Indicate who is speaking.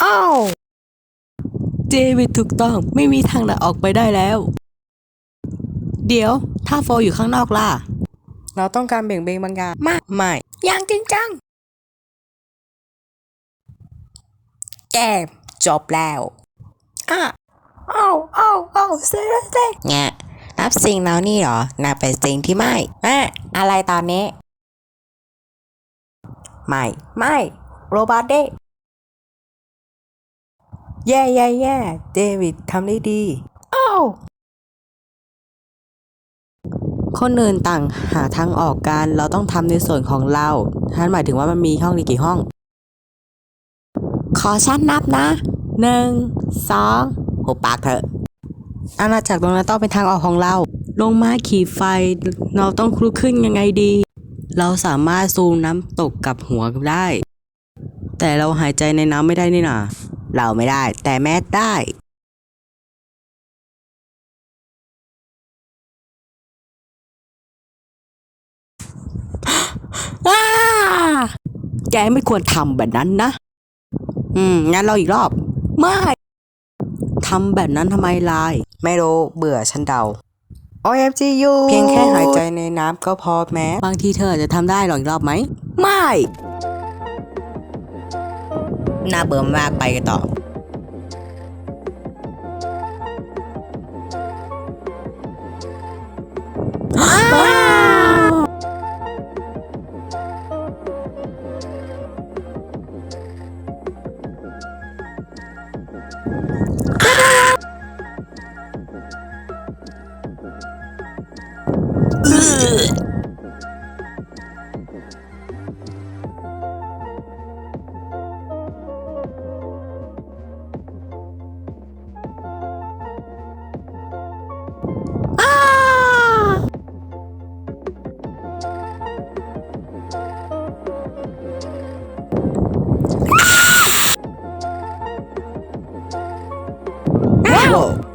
Speaker 1: อ้าวเจวิดถูกต้องไม่มีทางไหนออกไปได้แล้วเดี๋ยวถ้าโฟอยู่ข้างนอกล่ะเราต้องการเบี่ยงเบนบางอย่างไม่อย่างจริงจังแกจบแล้วอ่ะอ้าวเซ่
Speaker 2: แงะนับสิ่งแล้วนี่เหรอนับเป็นสิ่งที่ไม่อะไรตอนนี้ไม่โรบอทเด้
Speaker 1: แย่เดวิดทำได้ดีอ้าวคนอื่นต่างหาทางออกกันเราต้องทำในส่วนของเราท่านหมายถึงว่ามันมีห้องนี้กี่ห้องขอฉันนับนะ1 2หุบปากเถอะอาณาจักรตรงนั้นต้องเป็นทางออกของเราลงมาขี่ไฟเราต้องลุกขึ้นยังไงดีเราสามารถซูมน้ำตกกับหัวได้แต่เราหายใจในน้ำไม่ได้นี่นาเราไม่ได้แต่แมสได้อ้าแกไม่ควรทำแบบนั้นนะงั้นเราอีกรอบไม่ทำแบบนั้นทำไมลายไม่รู้เบื่อฉันเดา OMGU เพียงแค่หายใจในน้ำก็พอแม้บางทีเธออาจจะทำได้หรอกอีกรอบไหมไม่
Speaker 2: น่าเบื่อมากไปกันต่อ
Speaker 1: ว้าว